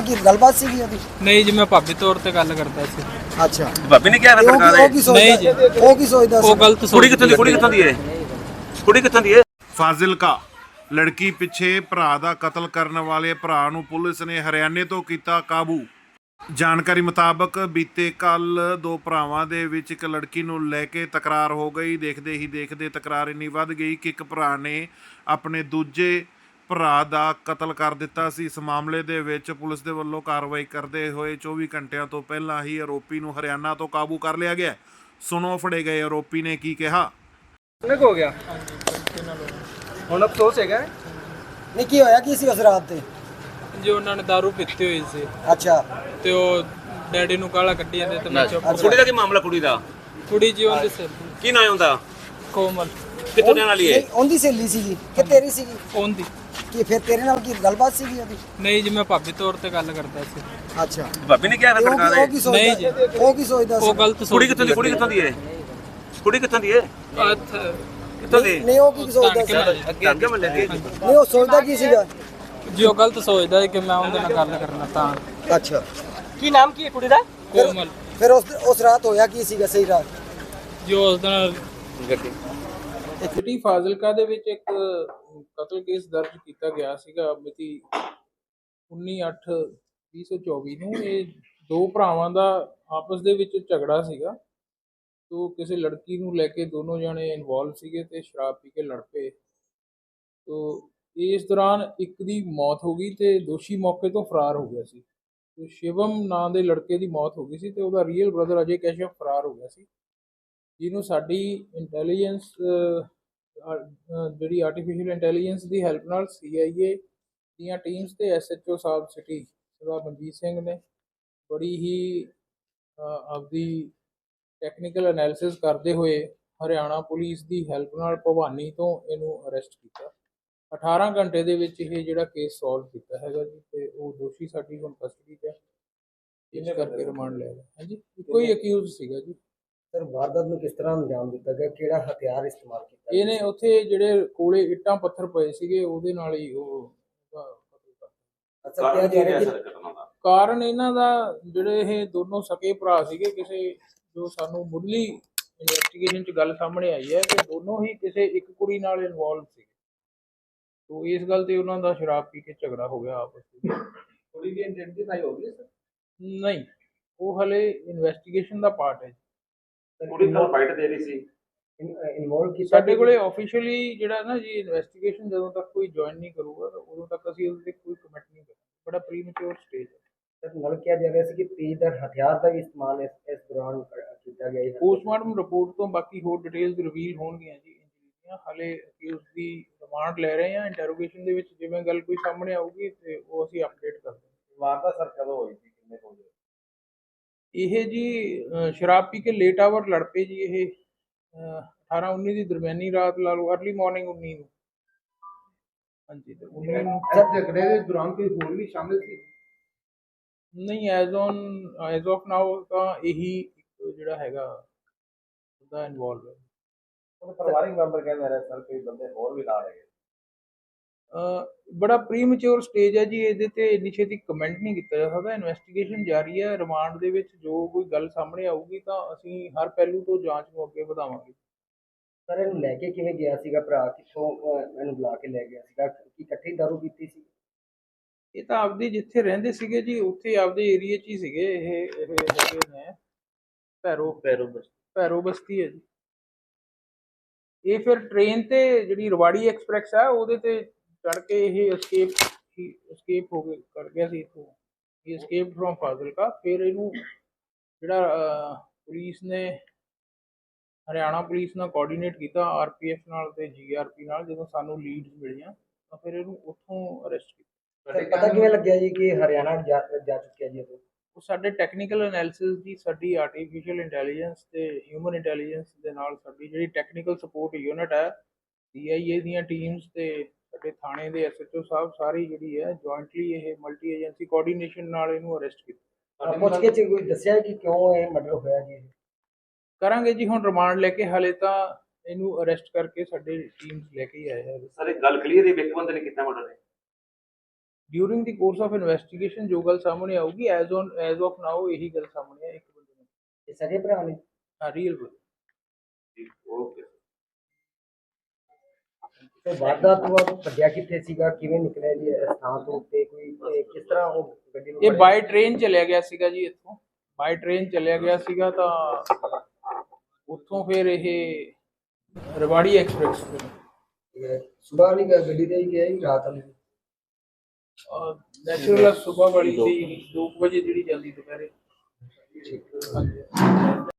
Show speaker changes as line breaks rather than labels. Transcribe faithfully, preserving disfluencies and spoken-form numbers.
ਕੀ ਗੱਲਬਾਤ ਸੀਗੀ ਉਹਦੀ?
ਨਹੀਂ ਜੀ, ਮੈਂ ਭਾਬੀ ਤੌਰ ਤੇ ਗੱਲ ਕਰਦਾ ਸੀ।
ਅੱਛਾ,
ਭਾਬੀ ਨੇ ਕਿਹਾ ਨਾ
ਤੇ ਉਹ
ਸਰਕਾਰ
ਕੀ- ਉਹ ਕੀ ਸੋਚਦਾ?
ਨਹੀਂ ਜੀ।
ਉਹ ਕੀ ਸੋਚਦਾ ਸੀ?
ਉਹ ਗਲਤ
ਕੁੜੀ
ਸੋਚ
ਕਿੱਥੋਂ ਦੀ ਕੁੜੀ ਕਿੱਥੋਂ ਦੀ ਹੈ ਕੁੜੀ ਕਿੱਥੋਂ ਦੀ ਹੈ
ਫਾਜ਼ਿਲਕਾ ਲੜਕੀ ਪਿੱਛੇ ਭਰਾ ਦਾ ਕਤਲ ਕਰਨ ਵਾਲੇ ਭਰਾ ਨੂੰ ਪੁਲਿਸ ਨੇ ਹਰਿਆਣੇ ਤੋਂ ਕੀਤਾ ਕਾਬੂ। ਜਾਣਕਾਰੀ ਮੁਤਾਬਕ ਬੀਤੇ ਕੱਲ ਦੋ ਭਰਾਵਾਂ ਦੇ ਵਿੱਚ ਇੱਕ ਲੜਕੀ ਨੂੰ ਲੈ ਕੇ ਤਕਰਾਰ ਹੋ ਗਈ। ਦੇਖਦੇ ਹੀ ਦੇਖਦੇ ਤਕਰਾਰ ਇੰਨੀ ਵੱਧ ਗਈ ਕਿ ਇੱਕ ਭਰਾ ਨੇ ਆਪਣੇ ਦੂਜੇ ਭਰਾ ਦਾ ਕਤਲ ਕਰ ਦਿੱਤਾ ਸੀ। ਇਸ ਮਾਮਲੇ ਦੇ ਵਿੱਚ ਪੁਲਿਸ ਦੇ ਵੱਲੋਂ ਕਾਰਵਾਈ ਕਰਦੇ ਹੋਏ ਚੌਵੀ ਘੰਟਿਆਂ ਤੋਂ ਪਹਿਲਾਂ ਹੀ ਆਰੋਪੀ ਨੂੰ ਹਰਿਆਣਾ ਤੋਂ ਕਾਬੂ ਕਰ ਲਿਆ ਗਿਆ। ਸੁਣੋ ਫੜੇ ਗਏ ਆਰੋਪੀ ਨੇ ਕੀ ਕਿਹਾ।
ਕਿੰਨੇ ਕੁ ਹੋ ਗਿਆ ਹੁਣ ਅਫਸੋਸ ਹੈਗਾ।
ਨਹੀਂ, ਕੀ ਹੋਇਆ ਕੀ ਸੀ ਉਸ ਰਾਤ ਤੇ?
ਜੀ ਉਹਨਾਂ ਨੇ ਦਾਰੂ ਪੀਤੀ ਹੋਈ ਸੀ
ਅੱਛਾ,
ਤੇ ਉਹ ਡੈਡੀ ਨੂੰ ਗਾਲਾਂ ਕੱਢੀ ਜਾਂਦੇ ਤੇ ਮੈਂ ਚੁੱਪ।
ਕੁੜੀ ਦਾ ਕੀ ਮਾਮਲਾ ਕੁੜੀ ਦਾ
ਕੁੜੀ ਜੀ ਉਹਦੇ ਸਿਰ
ਕੀ ਨਾਂ ਹੁੰਦਾ
ਕੋਮਲ
ਕਿੱਥੋਂ ਰਹਿਣ ਵਾਲੀ ਹੈ
ਨਹੀਂ, ਉਹਦੀ ਸਹੇਲੀ ਸੀਗੀ ਕਿ ਤੇਰੀ ਸੀਗੀ?
ਉਹਦੀ।
ਕੀ ਫਿਰ ਤੇਰੇ ਨਾਲ ਕੀ ਗੱਲਬਾਤ ਸੀਗੀ ਉਹਦੀ?
ਨਹੀਂ ਜੀ, ਮੈਂ ਭਾਬੀ ਤੌਰ ਤੇ ਗੱਲ ਕਰਦਾ ਸੀ।
ਅੱਛਾ,
ਭਾਬੀ ਨੇ ਕਿਹਾ ਨਾ
ਤੇ ਉਹ
ਸਰਕਾਰ
ਕੀ- ਉਹ ਕੀ
ਨਹੀਂ
ਸੋਚਦਾ?
ਜੀ।
ਉਹ ਕੀ ਸੋਚਦਾ ਸੀ?
ਉਹ ਗਲਤ ਸੋਚ
ਕੁੜੀ ਕਿੱਥੋਂ ਦੀ ਕੁੜੀ ਕਿੱਥੋਂ ਦੀ ਹੈ ਕੁੜੀ ਕਿੱਥੋਂ ਦੀ ਹੈ
ਅੱਛਾ,
ਕਿੱਥੋਂ ਦੀ
ਨਹੀਂ, ਉਹ ਕੀ ਸੋਚਦਾ ਸੀ?
ਅੱਗੇ ਅੱਗੇ ਮੱਲੇ ਦੀ
ਨਹੀਂ, ਉਹ ਸੋਚਦਾ ਕੀ ਸੀਗਾ?
ਜੀ ਉਹ ਗਲਤ ਸੋਚਦਾ ਹੈ ਕਿ ਮੈਂ ਉਹਦੇ ਨਾਲ ਗੱਲ ਕਰਨਾ ਤਾਂ।
ਅੱਛਾ,
ਕੀ ਨਾਮ ਕੀ ਹੈ ਕੁੜੀ ਦਾ?
ਕੋਮਲ
ਫਿਰ ਉਸ ਉਸ ਰਾਤ ਹੋਇਆ ਕੀ ਸੀਗਾ ਸਹੀ ਰਾਤ?
ਜੋ ਉਸ ਦਿਨ
ਗੱਡੀ
ਸਿਟੀ ਫਾਜ਼ਿਲਕਾ ਦੇ ਵਿੱਚ ਇੱਕ ਕਤਲ ਕੇਸ ਦਰਜ ਕੀਤਾ ਗਿਆ ਸੀਗਾ ਮਿਤੀ ਉੱਨੀ ਅੱਠ ਵੀਹ ਸੌ ਚੌਵੀ ਨੂੰ। ਇਹ ਦੋ ਭਰਾਵਾਂ ਦਾ ਆਪਸ ਦੇ ਵਿੱਚ ਝਗੜਾ ਸੀਗਾ। ਤੋ ਕਿਸੇ ਲੜਕੀ ਨੂੰ ਲੈ ਕੇ ਦੋਨੋਂ ਜਣੇ ਇਨਵੋਲਵ ਸੀਗੇ ਤੇ ਸ਼ਰਾਬ ਪੀ ਕੇ ਲੜ ਪਏ। ਤੋ ਇਸ ਦੌਰਾਨ ਇੱਕ ਦੀ ਮੌਤ ਹੋ ਗਈ ਤੇ ਦੋਸ਼ੀ ਮੌਕੇ ਤੋਂ ਫਰਾਰ ਹੋ ਗਿਆ ਸੀ। ਤੇ ਸ਼ਿਵਮ ਨਾਂ ਦੇ ਲੜਕੇ ਦੀ ਮੌਤ ਹੋ ਗਈ ਸੀ ਤੇ ਉਹਦਾ ਰੀਅਲ ਬ੍ਰਦਰ ਅਜੇ ਕੈਸ਼ਵ ਫਰਾਰ ਹੋ ਗਿਆ ਸੀ, ਜਿਹਨੂੰ ਸਾਡੀ ਇੰਟੈਲੀਜੈਂਸ ਜਿਹੜੀ ਆਰਟੀਫਿਸ਼ੀਅਲ ਇੰਟੈਲੀਜੈਂਸ ਦੀ ਹੈਲਪ ਨਾਲ ਸੀ ਆਈ ਏ ਦੀਆਂ ਟੀਮਸ ਤੇ ਐਸ ਐਚ ਓ ਸਾਹਿਬ ਸਿਟੀ ਸਰਦਾਰ ਮਨਜੀਤ ਸਿੰਘ ਨੇ ਬੜੀ ਹੀ ਆਪਦੀ ਟੈਕਨੀਕਲ ਐਨਾਲਿਸਿਸ ਕਰਦੇ ਹੋਏ ਹਰਿਆਣਾ ਪੁਲਿਸ ਦੀ ਹੈਲਪ ਨਾਲ ਭਵਾਨੀ ਤੋਂ ਇਹਨੂੰ ਅਰੈਸਟ ਕੀਤਾ। ਅਠਾਰਾਂ ਘੰਟੇ ਦੇ ਵਿੱਚ ਇਹ ਜਿਹੜਾ ਕੇਸ ਸੋਲਵ ਕੀਤਾ ਹੈਗਾ ਜੀ, ਤੇ ਉਹ ਦੋਸ਼ੀ ਸਾਡੀ ਹੁਣ ਕਸਟਡੀ 'ਚ ਹੈ। ਇਸ ਕਰਕੇ ਰਿਮਾਂਡ ਲੈ ਲਿਆ। ਹਾਂਜੀ, ਇੱਕੋ ਹੀ ਅਕਿਊਜ਼ ਸੀਗਾ ਜੀ।
ਸਰ, ਵਾਰਦਾਤ ਨੂੰ ਕਿਸ ਤਰ੍ਹਾਂ ਅੰਜਾਮ ਦਿੱਤਾ ਗਿਆ? ਕਿਹੜਾ ਹਥਿਆਰ ਇਸਤੇਮਾਲ ਕੀਤਾ?
ਇਹਨੇ ਉੱਥੇ ਜਿਹੜੇ ਕੋਲੇ ਇੱਟਾਂ ਪੱਥਰ ਪਏ ਸੀਗੇ ਉਹਦੇ ਨਾਲ ਹੀ ਉਹ ਉਹਦਾ ਕਤਲ ਕਰਤਾ।
ਅੱਛਾ, ਕਿਹਾ ਜਾ ਰਿਹਾ ਕਿ
ਕਾਰਨ ਇਹਨਾਂ ਦਾ ਜਿਹੜੇ ਇਹ ਦੋਨੋਂ ਸਕੇ ਭਰਾ ਸੀਗੇ, ਕਿਸੇ ਜੋ ਸਾਨੂੰ ਮੁੱਢਲੀ ਇਨਵੈਸਟੀਗੇਸ਼ਨ 'ਚ ਗੱਲ ਸਾਹਮਣੇ ਆਈ ਹੈ ਕਿ ਦੋਨੋਂ ਹੀ ਕਿਸੇ ਇੱਕ ਕੁੜੀ ਨਾਲ ਇਨਵੋਲਵ ਸੀ। ਤੋ ਇਸ ਗੱਲ ਤੇ ਉਹਨਾਂ ਦਾ ਸ਼ਰਾਬ ਪੀ ਕੇ ਝਗੜਾ ਹੋ ਗਿਆ ਆਪਸ ਵਿੱਚ।
ਕੁੜੀ ਦੀ ਆਇਡੈਂਟੀਫਾਈ ਹੋ ਗਈ ਸਰ?
ਨਹੀਂ, ਉਹ ਹਲੇ ਇਨਵੈਸਟੀਗੇਸ਼ਨ ਦਾ ਪਾਰਟ ਹੈ।
ਕੁੜੀ ਨਾਲ ਫਾਈਟ ਦੇ ਰਹੀ ਸੀ
ਇਨਵੋਲਵ ਕੀਤਾ?
ਸਾਡੇ ਕੋਲੇ ਆਫੀਸ਼ੀਅਲੀ ਜਿਹੜਾ ਨਾ ਜੀ ਇਨਵੈਸਟੀਗੇਸ਼ਨ ਜਦੋਂ ਤੱਕ ਕੋਈ ਜੁਆਇਨ ਨਹੀਂ ਕਰੂਗਾ ਤਾਂ ਉਦੋਂ ਤੱਕ ਅਸੀਂ ਉਹਦੇ ਤੇ ਕੋਈ ਕਮੈਂਟ ਨਹੀਂ ਕਰਾਂਗੇ। ਬੜਾ ਪ੍ਰੀਮੈਚੁਰ ਸਟੇਜ ਹੈ।
ਸਰ, ਨਾਲ ਕਿਹਾ ਜਾ ਰਿਹਾ ਸੀ ਕਿ ਤੇਜ਼ਧਾਰ ਹਥਿਆਰ ਦਾ ਵੀ ਇਸਤੇਮਾਲ ਇਸ ਇਸ ਦੌਰਾਨ ਕੀਤਾ ਗਿਆ ਹੈ।
ਪੋਸਟਮਾਰਟਮ ਰਿਪੋਰਟ ਤੋਂ ਬਾਕੀ ਹੋਰ ਡਿਟੇਲਸ ਰਿਵੀਲ ਹੋਣਗੀਆਂ ਜੀ ਇੰਜਰੀ ਦੀਆਂ। ਹਾਲੇ ਅਕਿਊਜ਼ ਦੀ ਰਿਮਾਂਡ ਲੈ ਰਹੇ ਹਾਂ। ਇੰਟਰੋਗੇਸ਼ਨ ਦੇ ਵਿੱਚ ਜਿਵੇਂ ਗੱਲ ਕੋਈ ਸਾਹਮਣੇ ਆਊਗੀ ਤੇ ਉਹ ਅਸੀਂ ਅਪਡੇਟ ਕਰ ਦਾਂਗੇ।
ਵਾਰਦਾਤ ਸਰ ਕਦੋਂ ਹੋਈ ਸੀ ਕਿੰਨੇ ਵਜੇ?
ਇਹ ਜੀ ਸ਼ਰਾਬ ਪੀ ਕੇ ਲੇਟ ਆਵਰ ਲੜ ਪਏ ਜੀ। ਇਹ ਅਠਾਰਾਂ ਉੱਨੀ ਦੀ ਦਰਮਿਆਨੀ ਰਾਤ ਲਾ ਲਓ, ਅਰਲੀ ਮਾਰਨਿੰਗ ਉੱਨੀ ਨੂੰ। ਹਾਂਜੀ, ਤੇ ਉੱਨੀ ਨੂੰ
ਝਗੜੇ ਦੇ ਦੌਰਾਨ ਕੋਈ ਹੋਰ ਵੀ ਸ਼ਾਮਿਲ ਸੀ?
ਨਹੀਂ, as on as of now ਤਾਂ ਇਹੀ ਇੱਕ ਜਿਹੜਾ ਹੈਗਾ ਉਹਦਾ ਇਨਵੋਲਵ ਹੈ।
ਉਹ ਪਰਿਵਾਰਿਕ ਮੈਂਬਰ ਕਹਿੰਦੇ ਰਹੇ ਸਰ ਕੋਈ ਬੰਦੇ ਹੋਰ ਵੀ ਨਾਲ ਹੈਗੇ।
ਬੜਾ ਪ੍ਰੀਮੈਚੁਰ ਸਟੇਜ ਹੈ ਜੀ, ਇਹਦੇ ਤੇ ਇੰਨੀ ਛੇਤੀ ਕਮੈਂਟ ਨਹੀਂ ਕੀਤਾ ਜਾ ਸਕਦਾ। ਇਨਵੈਸਟੀਗੇਸ਼ਨ ਜਾਰੀ ਹੈ। ਰਿਮਾਂਡ ਦੇ ਵਿੱਚ ਜੋ ਕੋਈ ਗੱਲ ਸਾਹਮਣੇ ਆਊਗੀ ਤਾਂ ਅਸੀਂ ਹਰ ਪਹਿਲੂ ਤੋਂ ਜਾਂਚ ਨੂੰ ਅੱਗੇ ਵਧਾਵਾਂਗੇ।
ਸਰ, ਇਹਨੂੰ ਲੈ ਕੇ ਕਿਵੇਂ ਗਿਆ ਸੀਗਾ ਭਰਾ? ਕਿੱਥੋਂ ਇਹਨੂੰ ਬੁਲਾ ਕੇ ਲੈ ਗਿਆ ਸੀਗਾ? ਕੀ ਇਕੱਠੀ ਦਾਰੂ ਪੀਤੀ ਸੀ?
ਇਹ ਤਾਂ ਆਪਦੇ ਜਿੱਥੇ ਰਹਿੰਦੇ ਸੀਗੇ ਜੀ ਉੱਥੇ ਆਪਦੇ ਏਰੀਏ 'ਚ ਹੀ ਸੀਗੇ। ਇਹ ਇਹ ਹੈਗੇ ਨੇ ਭੈਰੋ
ਪੈਰੋ
ਭੈਰੋ ਬਸਤੀ ਹੈ ਜੀ। ਇਹ ਫਿਰ ਟ੍ਰੇਨ ਤੇ ਜਿਹੜੀ ਰਵਾੜੀ ਐਕਸਪ੍ਰੈਸ ਹੈ ਉਹਦੇ ਤੇ ਚੜ ਕੇ ਇਹ escape escape ਹੋ ਕੇ ਕਰ ਗਿਆ ਸੀ ਇੱਥੋਂ। ਇਹ escaped from ਫਾਜ਼ਿਲਕਾ। ਫਿਰ ਇਹਨੂੰ ਜਿਹੜਾ ਪੁਲਿਸ ਨੇ ਹਰਿਆਣਾ ਪੁਲਿਸ ਨਾਲ ਕੋਆਰਡੀਨੇਟ ਕੀਤਾ, ਆਰ ਪੀ ਐਫ ਨਾਲ ਤੇ ਜੀ ਆਰ ਪੀ ਨਾਲ। ਜਦੋਂ ਸਾਨੂੰ ਲੀਡਸ ਮਿਲੀਆਂ ਤਾਂ ਫਿਰ ਇਹਨੂੰ ਉੱਥੋਂ ਅਰੈਸਟ ਕੀਤਾ।
ਪਤਾ ਕਿਵੇਂ ਲੱਗਿਆ ਜੀ ਕਿ ਹਰਿਆਣਾ ਜਾ ਜਾ ਚੁੱਕਿਆ ਜੀ?
ਉਹ ਸਾਡੇ ਟੈਕਨੀਕਲ ਐਨਾਲਿਸਿਸ ਦੀ ਸਾਡੀ ਆਰਟੀਫਿਸ਼ੀਅਲ ਇੰਟੈਲੀਜੈਂਸ ਤੇ ਹਿਊਮਨ ਇੰਟੈਲੀਜੈਂਸ ਦੇ ਨਾਲ ਸਾਡੀ ਜਿਹੜੀ ਟੈਕਨੀਕਲ ਸਪੋਰਟ ਯੂਨਿਟ ਹੈ, ਸੀ ਆਈ ਏ ਦੀਆਂ ਟੀਮਸ ਤੇ ਸਾਡੇ ਥਾਣੇ ਦੇ ਐਸ ਐਚ ਓ ਸਾਹਿਬ ਸਾਰੀ ਜਿਹੜੀ ਹੈ ਜੁਆਇੰਟਲੀ ਇਹ ਮਲਟੀ ਏਜੰਸੀ ਕੋਆਰਡੀਨੇਸ਼ਨ ਨਾਲ ਇਹਨੂੰ ਅਰੈਸਟ ਕੀਤਾ।
ਪੁੱਛ ਕੇ ਕੋਈ ਦੱਸਿਆ ਕਿ ਕਿਉਂ ਇਹ ਮਰਡਰ ਹੋਇਆ ਜੀ?
ਕਰਾਂਗੇ ਜੀ, ਹੁਣ ਰਿਮਾਂਡ ਲੈ ਕੇ। ਹਾਲੇ ਤਾਂ ਇਹਨੂੰ ਅਰੈਸਟ ਕਰਕੇ ਸਾਡੇ ਟੀਮਸ ਲੈ ਕੇ ਹੀ ਆਏ ਆ।
ਸਰ ਇੱਕ ਗੱਲ ਕਲੀਅਰ ਹੈ, ਇੱਕ ਬੰਦੇ ਨੇ ਕੀਤਾ ਮਰਡਰ ਹੈ?
During the course of investigation ਜੋ ਗੱਲ ਸਾਹਮਣੇ ਆਊਗੀ as on as of now ਇਹੀ ਗੱਲ ਸਾਹਮਣੇ ਆ ਇੱਕ ਬੰਦੇ ਨੂੰ
ਇਹ ਸਗੇ ਭਰਾ ਨੇ
ਹਾਂ ਰੀਅਲ
ਓਕੇ
ਤੇ ਵਾਰਦਾਤ ਤੋਂ ਬਾਅਦ ਭੱਜਿਆ ਕਿੱਥੇ ਸੀਗਾ ਕਿਵੇਂ ਨਿਕਲਿਆ ਜੀ ਇਸ ਥਾਂ ਤੋਂ ਤੇ ਕੋਈ ਇਹ ਕਿਸ ਤਰ੍ਹਾਂ ਉਹ ਗੱਡੀ ਨੂੰ
ਇਹ
ਫੜਿਆ?
ਬਾਈ ਟ੍ਰੇਨ ਚਲਿਆ ਗਿਆ ਸੀਗਾ ਜੀ ਇੱਥੋਂ ਬਾਈ ਟ੍ਰੇਨ ਚਲਿਆ ਗਿਆ ਸੀਗਾ ਤਾਂ ਉੱਥੋਂ ਫਿਰ ਇਹ ਰਵਾੜੀ ਐਕਸਪ੍ਰੈਸ
ਇਹ ਸੁਬਾਹ ਵਾਲੀ ਗ- ਗੱਡੀ ਤੇ ਹੀ ਗਿਆ ਜੀ ਰਾਤ ਵਾਲੀ
ਨੈਚੁਰਲ ਸੁਬਹ ਵਾਲੀ ਸੀ ਦੋ ਕੁ ਵਜੇ ਜਿਹੜੀ ਜਾਂਦੀ ਦੁਪਹਿਰੇ
ਠੀਕ
ਹਾਂਜੀ